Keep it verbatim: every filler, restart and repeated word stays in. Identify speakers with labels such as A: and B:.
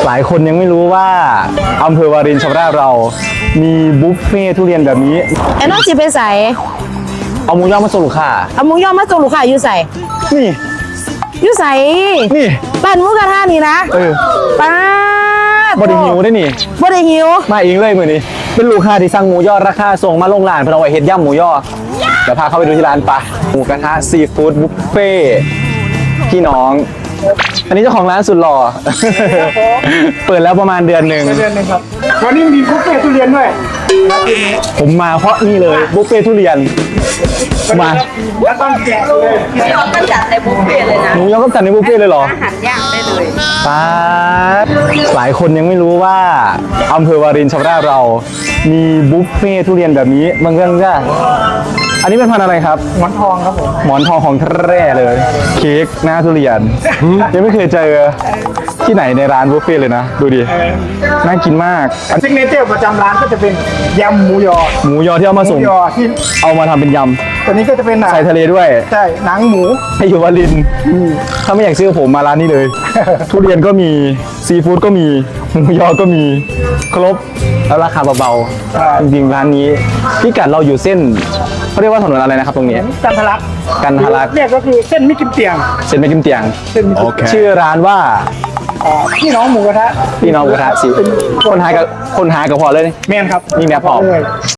A: หลายคนยังไม่รู้ว่าอำเภอวารินชำราบเรามีบุฟเฟ่ทุเรียนแบบนี้
B: ไอ้น้องจีไปใส่
A: เอาหมูย่างมาส่งลูกค้า
B: เอาหมูยอมาส่งลูกค้าอยู่ใส่
A: นี่
B: อยู่ใส่
A: นี่
B: ร้านหมูกระทะนี่นะ
A: เออ
B: ป้าด
A: บไดิหิวได้นี่
B: บ่ได้หิว
A: มาเองเลยมือนี้เป็นลูกค้าที่สั่งหมูยอราคาส่งมาลงร้านเพื่อเอาไว้เฮ็ดย่ำหมูยอเดี๋ยวพาเข้าไปดูที่ร้านปะหมูกระทะซีฟู้ดบุฟเฟ่พี่น้อง อันนี้เจ้าของร้านสุดหล่อ เปิดแล้วประมาณเดือนหนึ่ง
C: เดือนหนึ่งครับวันนี้มีบุฟเฟ่ทุเรียนด้วย
A: ผมมาเพราะนี่เลยบุฟเฟ่ทุเรียนมา
C: แล้วต้องแกะเลย
D: เราก็จัดในบุฟเฟ่ต์เลยนะ
A: หมูยอก็จัดในบุฟเฟ่เลยเหรอ
D: อาหารย่างได้เลย
A: ป๊าดหลายคนยังไม่รู้ว่าอำเภอวารินชำราบเรามีบุฟเฟ่ทุเรียนแบบนี้บางเรื่องจ้าอันนี้เป็นพันธุ์อะไรครับ
C: หมอนทองครับผม
A: หมอนทองของแท้เลย เค้กหน้าทุเรียนยังไม่เคยเจอที่ไหนในร้านบุฟเฟ่เลยนะ ดูดิน่ากินมากอัน
C: ซิกเนเจอร์ประจำร้านก็จะเป็นยำหมูยอ
A: หมูยอที่เอามา
C: หมู
A: ส่ง
C: ยอที่
A: เอามาทำเป็นย
C: ตัวนี้ก็จะเป็น
A: ำใส่ทะเลด้วย
C: ใช่หนังหมู
A: ให้อยู่วารินถ้าไม่อยากซื้อผมมาร้านนี้เลย ทุเรียนก็มีซีฟู้ดก็มีหมูยอก็มีครบแล้วราคาเบาๆจริงๆร้านนี้พิกัดเราอยู่เส้นเขาเรียกว่าถนนอะไรนะครับตรงนี้
C: กันทะลัก
A: กันทะลัก
C: เรียกก็คือเส้นมิกิมเตียง
A: เส้นไม่กิมเตียง
C: เส้นมิกิมเตียง
A: ชื่อร้านว่า
C: อ่าพี่น้องหมูกระทะ
A: พี่น้องกระทะสิคนหากับคนหากับพอเลย
C: แมนครับ
A: นี่แม่พอ
C: เลย